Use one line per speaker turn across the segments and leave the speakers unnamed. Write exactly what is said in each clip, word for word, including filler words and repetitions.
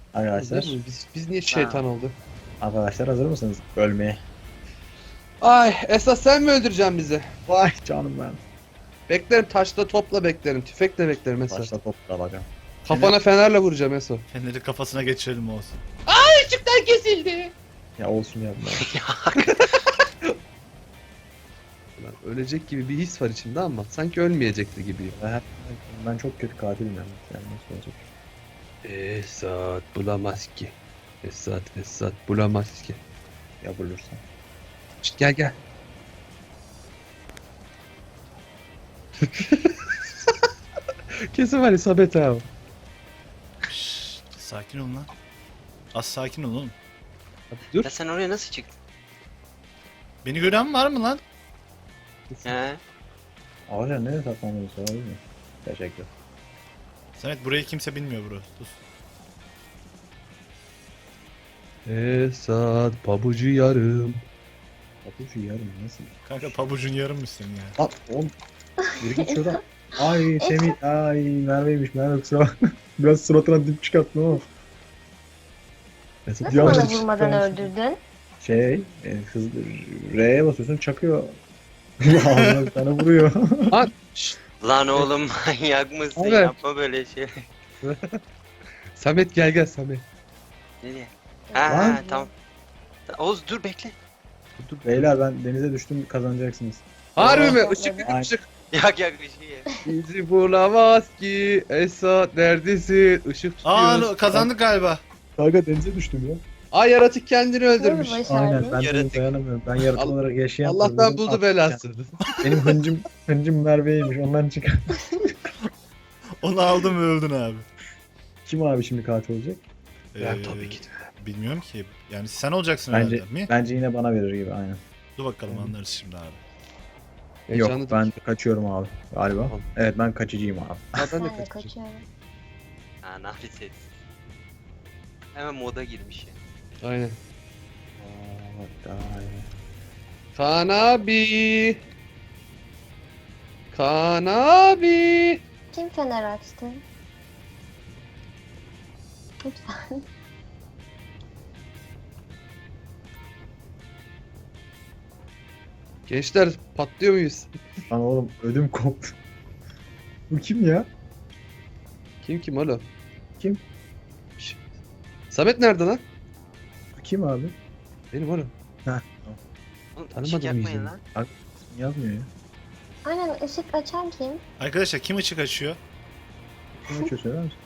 Arkadaşlar,
Değil mi? Biz, biz niye şeytan olduk?
arkadaşlar hazır mısınız ölmeye?
Ay esas sen mi öldüreceksin bizi?
Vay canım ben.
Beklerim taşla topla beklerim. Tüfekle beklerim Esat.
Başla topla bakın.
Kafana fenerle vuracağım Esat.
Feneri kafasına geçirelim olsun.
Işıktan kesildi.
Ya olsun ya bunlar.
Lan ölecek gibi bir his var içimde ama sanki ölmeyecekti gibiyim.
Ben, ben çok kötü katilim yani. Yani nasıl olacak?
Esat bulamaz ki. Esat Esat bulamaz ki.
Ya bulursan.
Şişt, gel gel. Kesin var isabet abi.
Şşş, sakin olun lan. Az sakin ol oğlum.
Dur.
Ya sen oraya nasıl çıktın?
Beni gören var mı lan?
He?
Ağaca nereye saklanıyorsun sorabilir mi? Teşekkür.
Samet burayı kimse bilmiyor bro. Sus.
Esat pabucu yarım.
Papucu yarım nasıl?
Kanka pabucun yarım mısın ya?
Lan oğlum. Biri git şuradan. Ay Semih. Ay Merve'ymiş. Merve kusura bakma. Biraz suratına dip çıkarttım ama. Mesut
Nasıl
yavaş
bana
çık-
vurmadan
çıkar.
öldürdün?
Şey, e, hız, R'ye basıyorsun çakıyor. Ağzına bir tane vuruyor.
Şşt,
Lan oğlum manyak mısın?
Evet.
Yapma böyle şey.
Samet gel gel Samet.
Nereye? Ha,
Lan.
ha tamam. Oğuz dur bekle.
Beyler ben denize düştüm kazanacaksınız.
Harbi mi?
Aa.
Işık
Aynen.
ışık.
Yak yak bir şey ye.
Bizi bulamaz ki. Esat neredesin? Işık
Aa
tutuyoruz.
no, kazandık galiba.
Kanka denize düştüm ya.
Ay yaratık kendini öldürmüş.
Nasıl
Aynen
başardın?
ben de
Yaratık.
dayanamıyorum. Ben yaratık
Allah-
olarak yaşayan
Allah'tan
öldüm.
buldu
Artık
belası.
ya. Benim hıncım, hıncım Merve'ymiş ondan çıkar.
Onu aldım ve öldün abi.
Kim abi şimdi katil olacak?
Ben
Ee,
tabii ki de.
Bilmiyorum ki. Yani sen olacaksın
Bence
herhalde. Mi?
bence yine bana verir gibi aynen.
Dur bakalım anlarız şimdi abi.
Heyecanlı
Yok ben kaçıyorum abi galiba.
Tamam.
Evet ben kaçıcıyım abi.
Ha, ben de
Ben de
kaçacağım.
kaçıyorum.
Ha nafret. Hemen moda girmiş ya.
Aynen.
Aa,
Kaan abi. Kaan abi.
Kim fener açtı? Lütfen.
Gençler patlıyor muyuz?
Lan oğlum ödüm koptu. Bu kim ya?
Kim kim oğlum?
Kim?
Şş. Samet nerede lan?
Bu kim abi?
Benim oğlum.
Oğlum
Tanımadım
ışık yakmayın
yüzünü.
lan.
İsmi yazmıyor ya.
Aynen ışık açan kim?
Arkadaşlar kim ışık açıyor?
Kim açıyor söyler misin?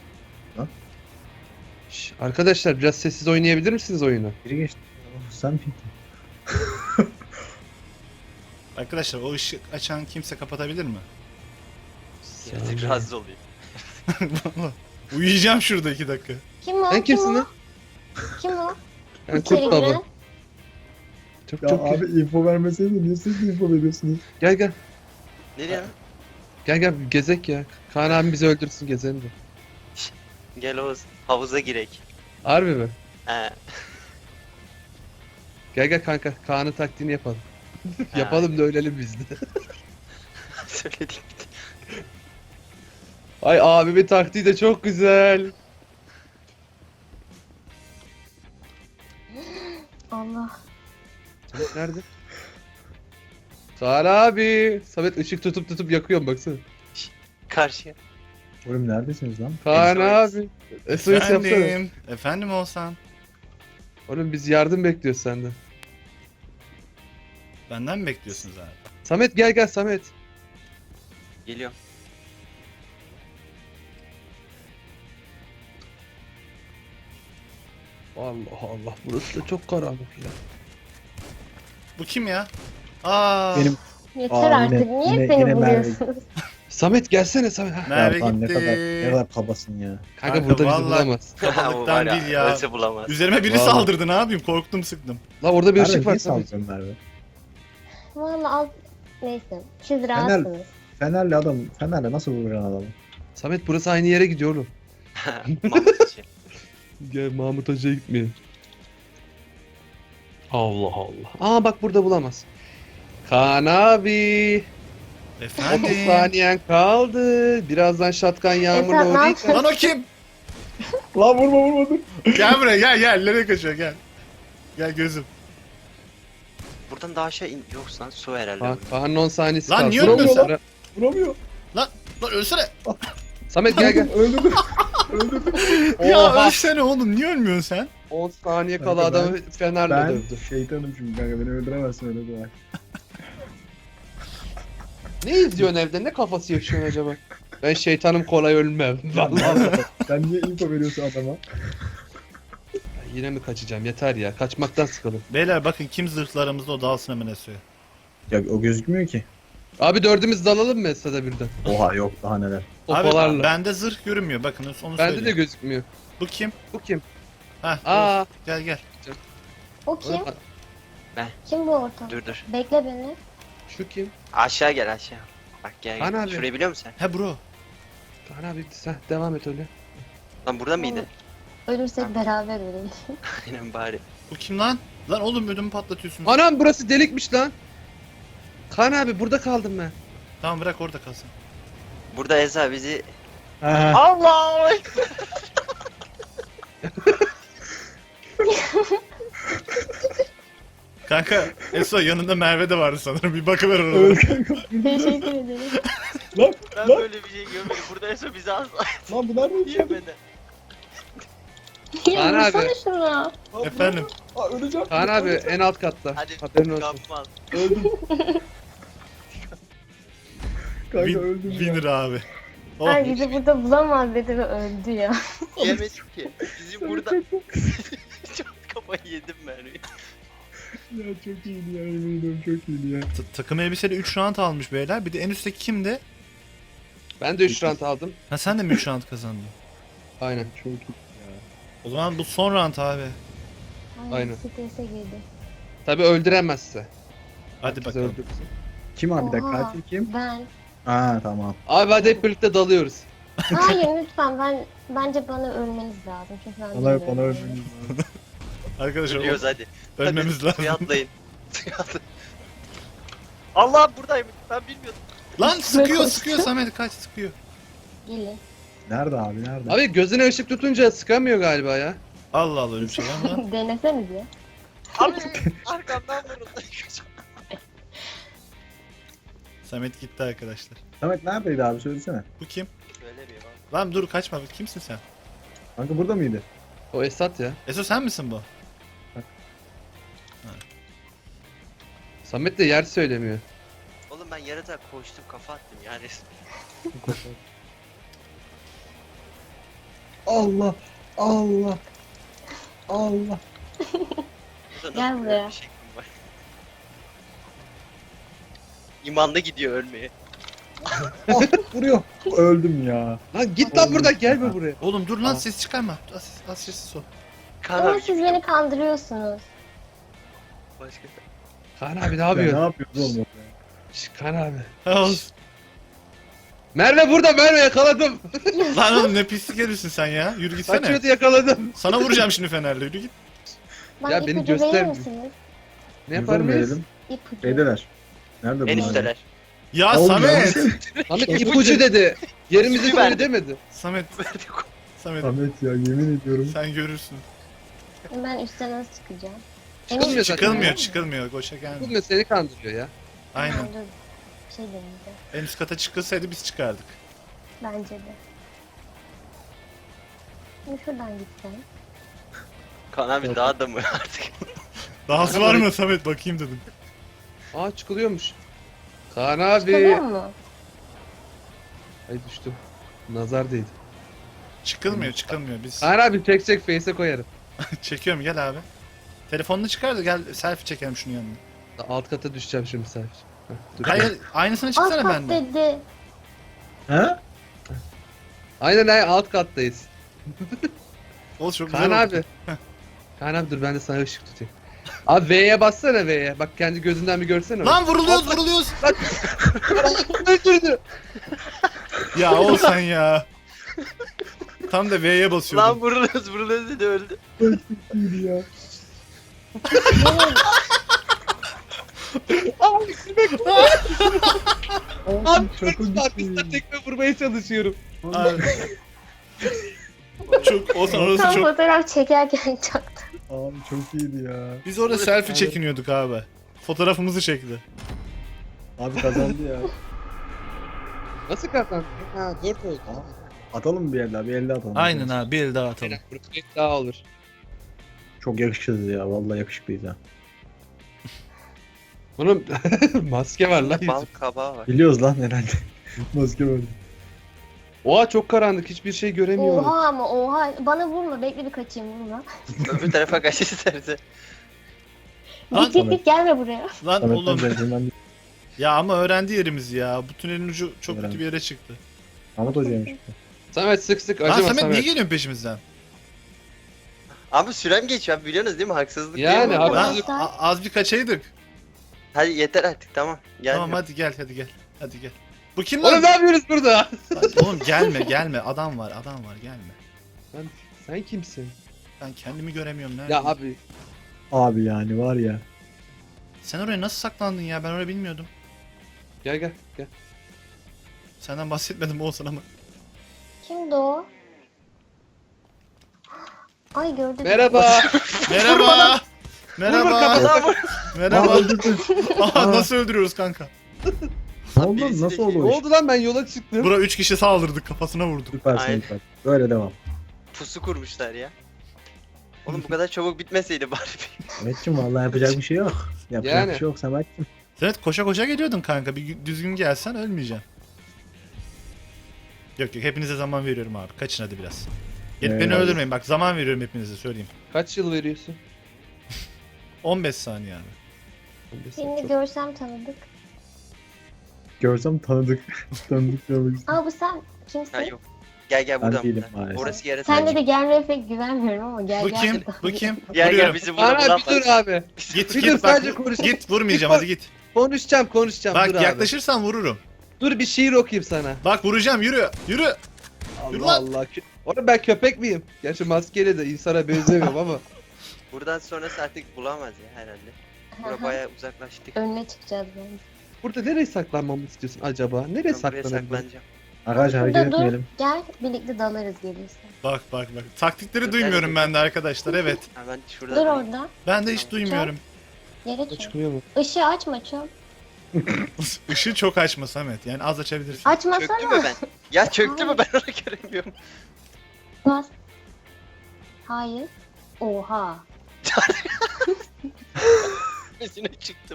Şş, arkadaşlar biraz sessiz oynayabilir misiniz oyunu?
Biri geçti. Oh, sen miydin?
Arkadaşlar o ışık açan kimse kapatabilir mi?
Yaratık rahatsız oluyor.
Uyuyacağım şurada iki dakika.
Kim o?
Sen kimsin
kim
lan?
o? Kim o?
Ben
İçeri
Kurt Baba.
giren.
Çok
Ya
çok
abi info vermeseydin niye siz info veriyorsunuz?
gel gel.
Nereye lan?
Gel gel gezek ya. Kaan abi bizi öldürsün gezelim de.
Gel Oğuz. Havuza girek.
Harbi mi?
He.
Gel gel kanka. Kaan'ın taktiğini yapalım. yapalım da ölelim biz de.
Söyledik.
Ay abimin taktiği de çok güzel.
Allah.
Samet nerede? Kaan abi. Samet ışık tutup tutup yakıyorum baksana.
Karşıya.
Oğlum neredesiniz lan?
Kaan
S O S.
abi. S O S yapsana.
Efendim. Efendim olsan.
Oğlum biz yardım bekliyoruz senden.
Benden mi bekliyorsunuz abi?
Samet gel gel Samet.
Geliyorum.
Allah Allah burası da çok karanlık ya.
Bu kim ya? Aa.
Benim
Yeter
Aa,
artık.
yine-
Niye
yine-
beni
yine Merve.
buluyorsunuz?
Samet gelsene Samet. Ha.
Merve
ya, lan ne
gitti.
kadar ne kadar kabasın ya.
Kanka,
Kanka,
burada bizi
vallahi-
bulamaz.
Kafalıktan değil ya.
Ölse bulamaz.
Üzerime biri
Vallahi.
saldırdı ne yapayım korktum sıktım.
La orada bir
Merve
ışık var
niye
Samet.
saldırıyorsun Merve?
Valla al. Neyse. Siz rahatsınız.
Fenerli adam, Fenerle nasıl vuracaksın adamı?
Samet burası aynı yere gidiyor oğlum.
Mahmut için.
Gel Mahmut Hoca'ya gitmeyelim. Allah Allah. Aa bak burada bulamaz. Kaan abi. otuz
Efendim.
saniyen kaldı. Birazdan şatkan yağmurla
Esat, ne
uğrayacak.
Lan o kim?
Lan vurma vurma dur.
Gel buraya gel gel. Nereye kaçıyor gel. Gel gözüm.
Buradan daha aşağı in. Yok lan su herhalde.
Bak
bu.
Kaan'ın on saniyesi
Lan
kaldı.
niye
Vuramıyor
ölmüyorsun?
lan.
Vuramıyor.
Lan lan ölsene.
Samet gel gel.
Öldürdüm. Öldürdüm.
Ya
Oha.
ölsene oğlum niye ölmüyorsun sen?
on saniye kala
Kanka ben-
adamı fenerle
Ben
dövdü.
şeytanım şimdi kanka beni öldüremezsin öyle kolay.
Ne izliyorsun evde? Ne kafası yaşıyorsun acaba? Ben şeytanım kolay ölmem. Vallahi.
Sen niye info veriyorsun adama?
Yine mi kaçacağım? Yeter ya. Kaçmaktan sıkıldım.
Beyler bakın kim zırhlarımızda o dalsın hemen Eso'ya.
Ya o gözükmüyor ki.
Abi dördümüz dalalım mı Esra'da birden?
Oha yok daha neler.
Opolarla.
Abi bende zırh görünmüyor bakın onu
Bende de
söyleyeyim.
gözükmüyor.
Bu kim?
Bu kim?
Heh,
Aa.
Oğuz, gel gel.
O kim?
Oğlum,
Kim bu ortam?
Dur dur.
Bekle beni.
Şu kim?
Aşağı gel aşağı. Bak gel
Kaan
gel.
abi.
Şurayı biliyor musun sen?
He bro.
Kaan abi sen devam et öyle.
Lan burada mıydı?
Ölürsek beraber ölelim.
Aynen bari.
Bu kim lan? Lan oğlum ödümü patlatıyorsun.
Anam burası delikmiş lan. Kaan abi burada kaldım ben.
Tamam bırak orada kalsın.
Burada Eza bizi...
Ha.
Allah!
Kanka Eso yanında Merve de vardı sanırım. Bir bakıver
Öl
oraya.
kanka.
Teşekkür ederim.
Lan
Ben
lan
böyle bir şey görmedim. Burada Eso bizi asla
lan bu nerede içeride?
yemedi.
Ya
Kaan abi.
vursana şuna.
Lan
Efendim.
bu- Aa öleceğim.
Kaan abi en alt katta.
Hadi
Haberin olsun.
kapmaz.
Öldüm. Kanka
Win,
öldüm ya.
winner abi. Oh.
Ay bizi burada bulamaz dedi ve öldü ya.
Yemedik ki. Bizim burada... Çok kafayı yedim ben.
Ya çok iyiydi ya yemin ediyorum çok iyiydi ya.
Ta- takım elbiseli üç round almış beyler. Bir de en üstteki kimdi?
Ben de üç round aldım.
Ha sen de mi üç round kazandın?
Aynen.
Çok iyi ya.
O zaman bu son round abi.
Aynen.
Strese girdi.
Tabi öldüremezse.
Hadi
Bizi
bakalım.
öldürürsün.
Kim abi bir dakika
Oha.
katil kim?
Ben.
Aa tamam.
Abi hadi hep birlikte dalıyoruz.
Hayır lütfen ben bence bana ölmeniz lazım çünkü ben
Bana
bilmiyorum.
bana öldüm.
Arkadaşlar
Ölüyoruz hadi.
ölmemiz
Hadi,
lazım.
Suya atlayın. Suya atlayın. Allah buradaymış. Ben bilmiyordum.
Lan sıkıyor
koştu.
sıkıyor Samet kaç sıkıyor.
Gelin.
Nerede abi nerede?
Abi gözüne ışık tutunca sıkamıyor galiba ya.
Allah Allah öyle bir şey var mı lan?
Denesenize.
Abi arkamdan vuruldu.
Samet gitti arkadaşlar.
Samet neredeydi abi söylesene.
Bu kim?
Söylemiyor abi.
Lan dur kaçma kimsin sen?
Kanka burada mıydı?
O Esat ya.
Eso sen misin bu?
Samet de yer söylemiyor.
Oğlum ben yaratığa koştum kafa attım yani.
Allah Allah Allah.
Burada
Gel
nasıl
buraya.
böyle bir şeklim var? İmanlı gidiyor ölmeye.
Ah, vuruyor. Öldüm ya.
Lan git lan buradan gelme buraya.
Oğlum dur lan
Aa.
ses çıkarma. Az, az sessiz ol.
Kaan
Ama
abi
siz beni kandırıyorsunuz.
başka.
Kaan abi ne
Ya, ne
yapıyor?
yapıyorsun oğlum orada?
Şş, Kaan abi.
Ha, olsun.
Merve burada Merve yakaladım.
Lan oğlum ne pislik herifsin sen ya. Yürü gitsene.
Kaçıyordu yakaladım.
Sana vuracağım şimdi fenerle yürü git.
Bana
Ya beni
ipucu verir
göstermiyor.
misiniz?
Ne yapar
Buradan
mıyız?
verelim.
İpucu.
Şeydeler. Nerede
En
bunlar?
üstteler.
Ya
Oğlum,
Samet.
Samet ipucu dedi. Yerimizi
İpucu
söyle
verdi.
demedi.
Samet. Samet
Samet ya yemin ediyorum.
sen görürsün.
Ben üstten nasıl çıkacağım?
Çıkılmıyor zaten.
Çıkılmıyor çıkılmıyor. Koşa gelmiyor.
Çıkılmıyor seni kandırıyor ya.
Aynen.
Tamam, dur. Bir şey deneyeceğim.
En üst kata çıkılsaydı biz çıkardık.
Bence de. Şimdi şuradan gitsem.
Kaan abi daha da mı artık?
Dahası var mı Samet bakayım dedim.
Aa çıkılıyormuş. Kaan abi.
Çıkılıyor mu?
Ay düştüm. Nazar değdi.
Çıkılmıyor çıkılmıyor biz.
Kaan abi çek çek face'e koyarım.
Çekiyorum gel abi. Telefonunu çıkar da gel selfie çekelim şunun yanına.
Alt kata düşeceğim şimdi sadece. Heh, dur.
Hayır aynısını
Alt
çıksana
kat
benden.
dedi.
He?
Aynen aynen alt kattayız.
Oğlum çok güzel
Kaan
oldu.
abi. Kaan abi dur ben de sana ışık tutayım. Abi V'ye bassana V'ye. Bak kendi gözünden bir görsene.
Lan vuruluyoruz vuruluyoruz.
öldürdü.
Ya ol sen ya. Tam da V'ye basıyordum.
Lan vuruluruz vuruluruz dedi öldü.
İyiydi ya.
Abi
Abi
Abi
çakıl
arkasından
gitti.
tekme vurmaya çalışıyorum.
Abi. Çok o orası
Tam
çok.
fotoğraf çekerken çaktım.
Abi çok iyiydi ya.
Biz orada selfie çekiniyorduk abi. Fotoğrafımızı çekti.
Abi kazandı ya.
Nasıl kazandın? Ha dört oldu.
Atalım bir el daha, bir el daha atalım.
Aynen abi, bir el daha atalım.
Aynen, grup bir daha olur.
Çok yakışıklıyız ya, vallahi yakışıklıyız ha.
Bunun maske var lan
Bal
yüzü.
kabağı var.
Biliyoruz lan herhalde. Maske var.
Oha çok karanlık, hiçbir şey göremiyorum.
Oha ama oha. Bana vurma. Bekle bir kaçayım vurma.
Öbür tarafa kaç isterse.
Lan
Git git git gelme buraya.
Lan
Samet'ten
oğlum.
centilmen değil.
Ya ama öğrendi yerimizi ya. Bu tünelin ucu çok
Öğrendi.
kötü bir yere çıktı.
Ahmet Hoca'ymış.
Samet sık sık
Lan
acıma
Samet,
Samet.
niye geliyorsun peşimizden?
Abi sürem geçiyor abi, biliyorsunuz değil mi? Haksızlık
Yani
değil mi? bu?
haksız-
Lan
Arkadaşlar.
a- az bir kaçaydık.
Hadi yeter artık, tamam. Gel.
Tamam hadi gel hadi gel. Hadi gel. Bu kim lan?
Oğlum ne yapıyoruz burada?
Lan oğlum gelme gelme. Adam var adam var gelme.
Sen, sen kimsin?
Ben kendimi göremiyorum nerede?
Ya abi
Abi yani var ya.
Sen oraya nasıl saklandın ya? Ben orayı bilmiyordum.
gel gel gel.
Senden bahsetmedim olsun ama.
Kimdi o? Ay gördüm.
Merhaba.
Merhaba. Merhaba.
Kafadan vur.
Merhaba.
Aa, öldürdün.
Aha, nasıl öldürüyoruz kanka?
Ne oldu?
birisi
Nasıl
de-
oldu
Ne
o iş?
oldu lan, ben yola çıktım.
Bura üç kişi saldırdık, kafasına vurduk.
Süpersin
Aynen.
süper. Böyle devam.
Pusu kurmuşlar ya. Oğlum bu kadar çabuk bitmeseydi bari.
Samet'cim vallahi yapacak bir şey yok. Yapacak
Yani.
bir şey yok Samet'cim.
Evet, koşa koşa geliyordun kanka. Bir düzgün gelsen ölmeyeceksin. Yok yok, hepinize zaman veriyorum abi. Kaçın hadi biraz. Gelip beni
Eyvallah.
öldürmeyin, bak zaman veriyorum hepinize, söyleyeyim.
Kaç yıl veriyorsun?
on beş saniye abi.
Seni görsem tanıdık.
Görsem tanıdık. tanıdık görmek istedim.
Aa bu sen kimsin?
Ha yok. Gel gel
Ben
buradan.
değilim
buradan.
maalesef.
Orası yarı
Sende de gelmeye pek güvenmiyorum ama gel
Bu
gel.
kim? Bu kim?
Gel gel
Vuruyorum.
bizi burada
Ana bir dur
bulamaz.
abi.
Git
Bir
git
dur,
bak.
sadece konuş.
Git, vurmayacağım, hadi git.
Konuşacağım konuşacağım
Bak
dur abi.
yaklaşırsan vururum.
Dur bir şiir okuyayım sana.
Bak vuracağım, yürü. Yürü. Yürü
Allah
lan.
Allah. Kö- Oğlum ben köpek miyim? Gerçi maskeyle de insana benzemiyorum ama.
Buradan sonrası artık bulamaz ya herhalde. Bura bayağı uzaklaştık.
Önüne çıkacağız bence.
Burada nereye saklanmamı istiyorsun acaba? Nereye
Ben buraya
saklanabilirim?
saklanacağım.
Arkadaşlar hareket
Burada dur.
etmeyelim.
Gel birlikte dalarız gelirse.
Bak bak bak. Taktikleri
Dur,
duymuyorum
nerede?
ben de arkadaşlar, evet.
Ha ben şurada.
Dur orada.
Ben de hiç duymuyorum.
Yere çök.
Çıkmıyor mu?
Işığı açma çöp.
Işığı çok açma Samet. Yani az açabilirsin.
Çöktü mü
Açmasana.
ben? Ya çöktü mü, ben onu göremiyorum.
Bas. Hayır. Oha.
Üstüne çıktım.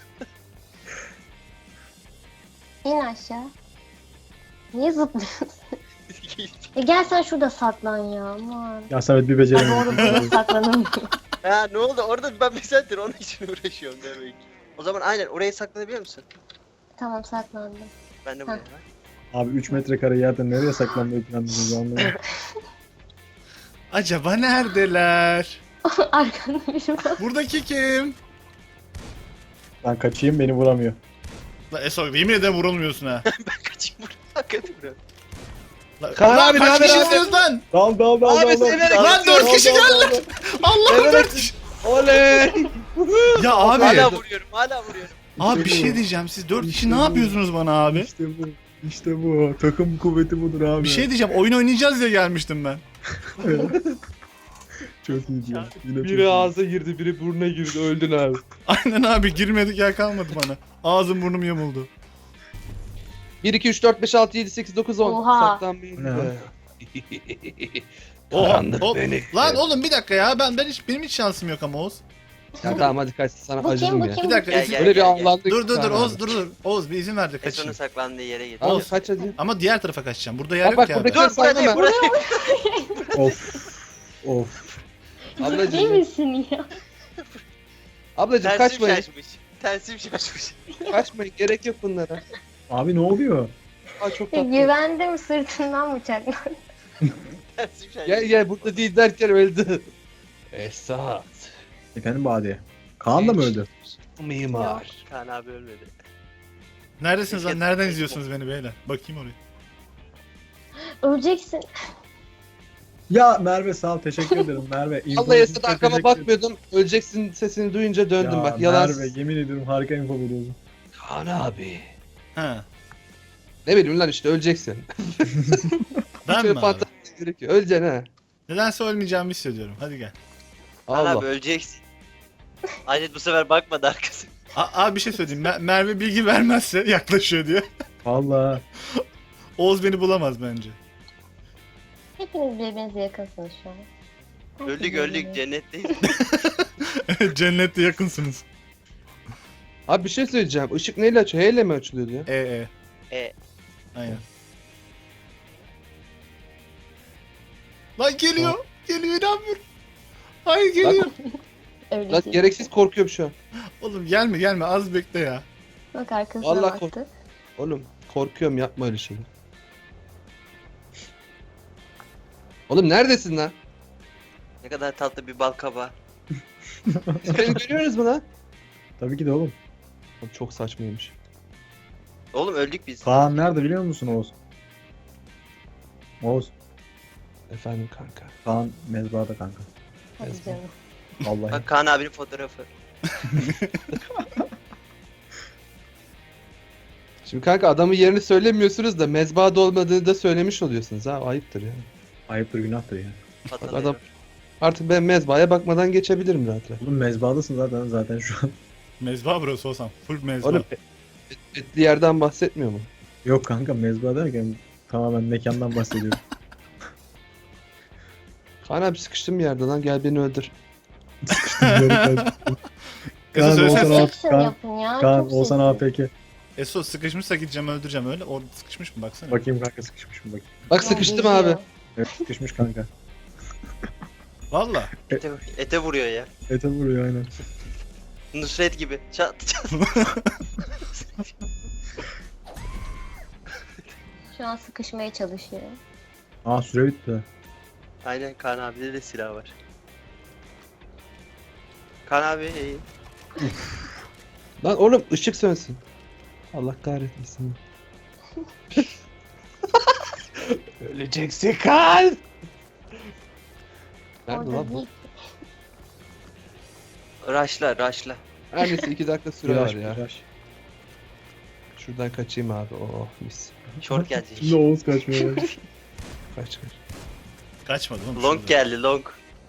İn aşağı. Niye zıplıyorsun? E gel sen şurada saklan ya aman.
Ya Samet bir
Ha,
beceremiyor.
doğru burada saklanamıyor.
Ha ne oldu? Orada ben bir saattir onun için uğraşıyorum demek. O zaman aynen oraya saklanabiliyor musun?
Tamam saklandım.
Ben de buraya
Ha.
var.
Abi üç metrekare yerden nereye saklanmayı planlıyorsunuz anlamadım.
Acaba neredeler?
Arkanda biri var.
Buradaki kim?
Ben kaçayım beni vuramıyor.
La Eso, yemin ederim vurulmuyorsun ha.
Ben kaçayım buraya. Hakikaten buraya.
La,
Kaan
Ulan
abi,
kaç
naber
kişi
abi?
istiyoruz lan?
Dal dal dal
Abi
dal. dal.
severek-
Lan dört kişi geldi. Allah'ım
Evet.
dört kişi.
Oley!
Ya abi.
Hala vuruyorum, hala vuruyorum.
Abi bir
İşte
şey
bu.
diyeceğim. Siz dört kişi
İşte
ne
bu.
yapıyorsunuz bana abi?
İşte bu. İşte bu. Takım kuvveti budur abi.
Bir şey diyeceğim. Oyun oynayacağız diye gelmiştim ben.
Çok iyi ya. Yine çok
Biri
iyi.
ağza girdi, biri burnuna girdi, öldün abi.
Aynen abi, girmedik yer kalmadı bana. Ağzım burnum yamuldu.
bir, iki, üç, dört, beş, altı, yedi, sekiz, dokuz, on.
Oha.
Saklanmayın
Ne?
be.
Oha,
Karanlık
hop.
beni.
Lan oğlum bir dakika ya. Ben ben hiç benim hiç şansım yok ama Oğuz.
Ya tamam hadi kaç, sana
Bu kim
acıdım
bu
ya.
kim?
Bir dakika.
Gel,
Esin-
gel.
Böyle bir ağlandık.
Dur dur dur
Kaan
Oğuz
abi.
dur dur. Oğuz bir izin ver de
Eson'un
kaçayım.
saklandığı yere git.
Al kaç hadi.
Ama diğer tarafa kaçacağım. Burada yer
Bak
yok
bak
ya. abi.
buradaki
Dur burada değil,
saklama.
burada.
Of. Of.
Ciddi
Ablacım,
misin ya?
ablacım
Tersim
kaçmayın.
şaşmış. Tersim şaşmış.
Kaçmayın, gerek yok bunlara.
Abi ne oluyor?
Aa çok
Ya,
tatlı.
güvendim sırtından bıçaklar.
Tersim şaşmış.
Gel gel, burada değil derken öldü. Esat.
Efendim Badi. Kaan da mı öldü?
Mimar.
Kaan abi ölmedi.
Neredesiniz lan?
Keşke-
Nereden izliyorsunuz beni beyler? Bakayım oraya.
Öleceksin.
Ya Merve sağ ol teşekkür ederim Merve. İnfo
Allah
için
Esat,
çok
arkama
teşekkür ederim.
bakmıyordum. Öleceksin sesini duyunca döndüm
Ya
bak. Yalan.
Merve yemin ediyorum harika info veriyorsun.
Kaan abi.
Ha.
Ne bileyim lan, işte öleceksin.
Ben
Hiç öyle
mi abi?
fantezi gerekiyor. Öleceksin ha.
Nedense ölmeyeceğimi hissediyorum. Hadi gel.
Kaan
Allah.
abi öleceksin. Aynet bu sefer bakmadı arkası.
A- abi bir şey söyleyeyim. Mer- Merve bilgi vermezse yaklaşıyor diyor.
Valla.
Oğuz beni bulamaz bence.
Hepiniz birbirinize yakınsınız şu an. Herkes
Öldük öldük
birbirine.
cennetteyiz.
Cennette yakınsınız.
Abi bir şey söyleyeceğim. Işık neyle açıyor? H ile mi açılıyordu ya?
E e.
E,
Aynen. Lan geliyor. Geliyor inanmıyorum. Hayır geliyor.
Öyle
Lan
değil.
gereksiz korkuyorum şu an.
Oğlum gelme gelme az bekle ya.
Bak arkasına
Vallahi
baktı.
Oğlum korkuyorum, yapma öyle şeyler. Oğlum neredesin lan?
ne kadar tatlı bir bal kabağı.
Siz beni görüyorsunuz mu lan?
Tabii ki de oğlum.
Abi çok saçmaymış.
Oğlum öldük biz.
Kaan nerede biliyor musun Oğuz? Oğuz.
Efendim kanka.
Kaan mezbahada kanka.
Hadi
Ezber.
canım.
Vallahi.
Bak Kaan abinin fotoğrafı.
Şimdi kanka adamın yerini söylemiyorsunuz da mezbahada olmadığını da söylemiş oluyorsunuz ha. Ayıptır ya.
Ayıptır günahtır ya.
Patlatıyor.
adam- Artık ben mezbahaya bakmadan geçebilirim rahat rahat.
Oğlum mezbahadasın zaten zaten şu an.
Mezba burası olsam. Full mezba.
Oğlum et- etli yerden bahsetmiyor mu?
Yok kanka mezbaha derken tamamen mekandan bahsediyorum.
Kaan abi sıkıştım bir yerde lan, gel beni öldür.
Kısa
Kaan
söylesene.
Oğuzhan
Action
Kaan,
yapın ya.
Kaan
çok
Oğuzhan
sesli.
A P K.
Eso sıkışmışsa gideceğim öldüreceğim öyle. Orada sıkışmış mı baksana.
Bakayım kanka sıkışmış mı bakayım.
Bak
Ya,
sıkıştım
geziyor.
abi.
Evet sıkışmış kanka.
Valla.
Ete, ete vuruyor ya.
Ete vuruyor aynen.
Nusret gibi. Çat çat.
Şu an sıkışmaya çalışıyor.
Aa süre bitti.
Aynen Kaan abide de silah var. Kaan abi
Lan oğlum ışık sönsün. Allah kahretmesin. Öleceksin Kaan. Nerede
Orada
lan bu?
değil.
raşla raşla.
Her neyse iki dakika süre
Flash,
var ya.
flash.
Şuradan kaçayım abi. Oh mis.
Short gelecek.
Şimdi Oğuz kaçmıyor.
Kaç kaç.
Kaçmadı oğlum.
Long
şurada.
geldi long.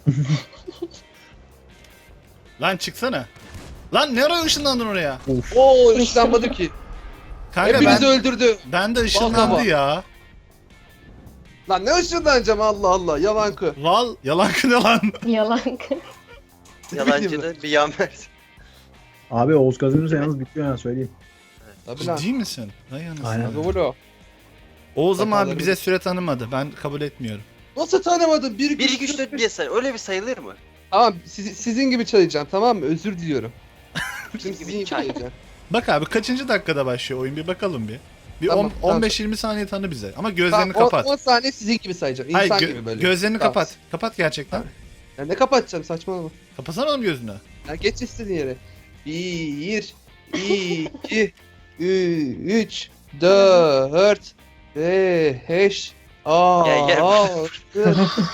Lan çıksana. Lan ne ara ışınlandın oraya?
Of.
Oo ışınlanmadı ki.
Kanka
Hepinizi
ben,
öldürdü.
ben de
Vallahi
ışınlandı
bak.
ya.
Lan ne ışınlanacağım Allah Allah. Yalankı.
Val yalan kına lan.
Yalan.
Yalancı da bir yan versin.
Abi Oğuz kazanırsa yalnız bitiyor ya söyleyeyim.
Tabii lan.
Ciddi misin? Vay anasını.
Aynen.
Abi vuro.
Oğuz'um abi
Hatalarımız-
bize süre tanımadı. Ben kabul etmiyorum.
Nasıl tanımadın? bir
bir iki üç dört diye say. Öyle bir sayılır mı?
Tamam siz- sizin gibi çalacağım tamam mı? Özür diliyorum. Şimdi
gibi
sizin gibi
çay.
çalacağım.
Bak abi kaçıncı dakikada başlıyor oyun bir bakalım bir. Bir
Tamam,
on-
tamam.
on beş yirmi saniye tanı bize. Ama gözlerini
Tamam,
kapat.
on saniye sizin gibi sayacağım. İnsan
Hayır gö-
gibi böyle.
gözlerini
Tamam.
kapat. Kapat gerçekten.
Ya ne kapatacağım saçmalama.
Kapatsana oğlum gözünü.
Ya geç istediğin yere. Bir, iki, üç, dört, beş,
Gel, gel.
altı,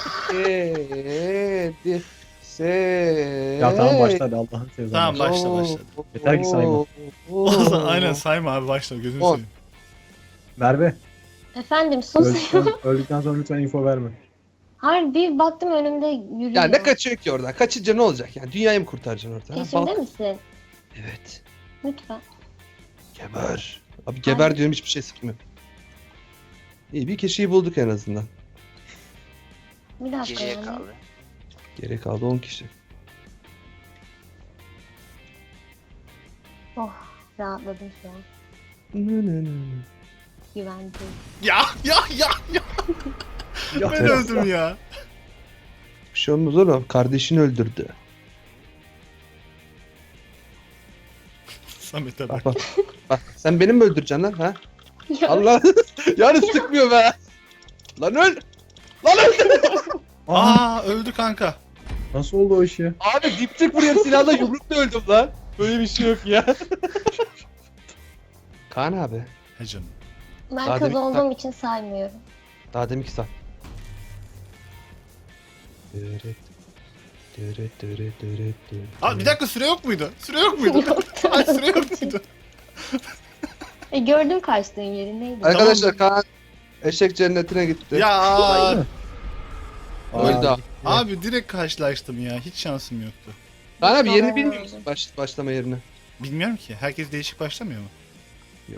yedi, sekiz.
Ya tamam başla hadi Allah'ın seversen.
Tamam, başla, başla.
Yeter ki sayma.
Oğuzhan aynen sayma abi başla gözünü
On.
seveyim.
Merve.
Efendim sus.
Öldükten, öldükten sonra lütfen info verme.
Hayır bir baktım önümde yürüyor.
Ya ne kaçıyor ki oradan? Kaçınca ne olacak yani? Dünyayı mı kurtaracaksın orada? ha?
Peşimde
Bak.
misin?
Evet.
Lütfen.
Geber. Abi geber diyorum hiçbir şey sıkmıyor. İyi bir kişiyi bulduk en azından.
Bir dakika
Geriye
yani.
kaldı.
Geri kaldı on kişi.
Oh rahatladım şu an. Güvendim.
Ya ya ya ya. Ben öldüm ya.
Bir şey olmaz oğlum. Kardeşini öldürdü.
Samet'e bak.
Bak bak. Bak sen beni mi öldüreceksin lan ha?
Ya,
Allah. Yani sıkmıyor be. Lan öl. Lan öl.
Aa,
Aa öldü kanka.
nasıl oldu o iş ya?
Abi dipçik buraya silahla yumrukla öldüm lan. Böyle bir şey yok ya. Kaan abi.
He canım.
ben
Daha
kız
demin-
olduğum için saymıyorum.
Daha demin ki sen. Dırıt. Dırıt dırıt dırıt dırıt.
Aa bir dakika süre yok muydu? Süre yok muydu?
Yoktu.
Ay süre yok muydu?
E, gördüm kaçtığın yeri neydi?
Arkadaşlar Kaan Eşek cennetine gitti.
Ya
Aa,
Öldü abi.
abi direkt karşılaştım ya. Hiç şansım yoktu.
Kaan abi yerini
Aa.
bilmiyor musun baş, başlama yerini?
Bilmiyorum ki. Herkes değişik başlamıyor mu?
Yok.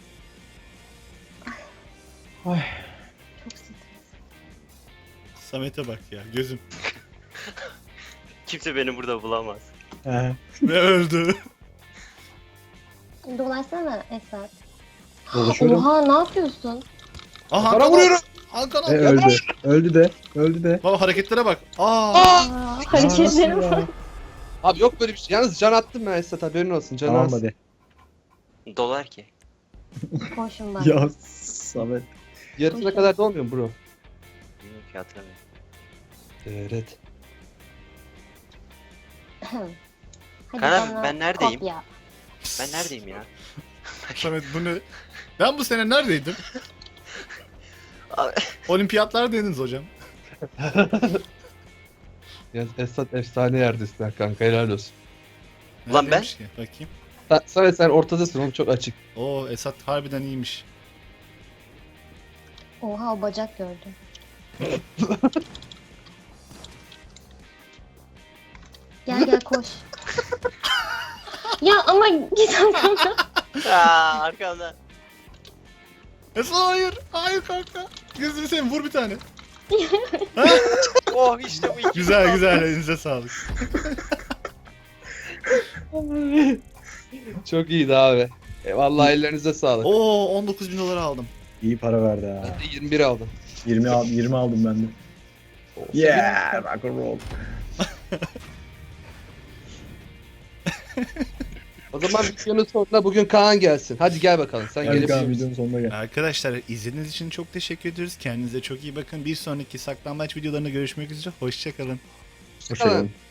Çok stres.
Samet'e bak ya. Gözüm.
Kimse beni burada bulamaz.
He.
Ve öldü.
Dolaşsana Esat.
Dolaşıyorum.
Oha ne yapıyorsun?
Aha
Bana
Hakan
vuruyorum.
Hakan
E, öldü. Öldü de. Öldü de.
Baba hareketlere bak. Aa.
Aa, hareketlere
Aa,
bak.
Abi yok böyle bir şey. Yalnız can attım ben Esat, haberin olsun. Can
Tamam
az.
hadi.
Dolar ki.
Koşun bak.
Ya Samet.
Yarısına kadar da olmuyor mu bro?
Bilmiyorum ki hatırlamıyorum.
Evet.
Hadi
Kaan abi,
bana
ben neredeyim?
kopya.
Ben neredeyim ya?
Samet bu ne? Ben bu sene neredeydim?
Abi,
Olimpiyatlardaydınız hocam.
Ya Esat efsane yerdesin kanka, helal olsun.
Ulan ben?
Neredeymiş ki? Bakayım.
Sen, sen, sen ortadasın oğlum, çok açık.
Oo Esat harbiden iyiymiş.
Oha o bacak gördüm. Gel gel koş. Ya ama git arkamdan.
Aa, arkamdan.
Esat hayır. Hayır kanka. Gözünü seveyim vur bir tane.
Oh işte bu iki.
Güzel güzel elinize sağlık.
Çok iyiydi abi. E, vallahi ellerinize sağlık.
Oo on dokuz bin dolar aldım.
İyi para verdi ha.
Ben de yirmi bir aldım.
yirmi, al, yirmi aldım ben de. Yeah, rock and roll.
O zaman videonun sonuna bugün Kaan gelsin. Hadi gel bakalım. Sen
Hadi
gelip
Kaan videonun sonuna gel.
Arkadaşlar izlediğiniz için çok teşekkür ederiz. Kendinize çok iyi bakın. Bir sonraki saklambaç videolarında görüşmek üzere. Hoşçakalın.
Hoşçakalın.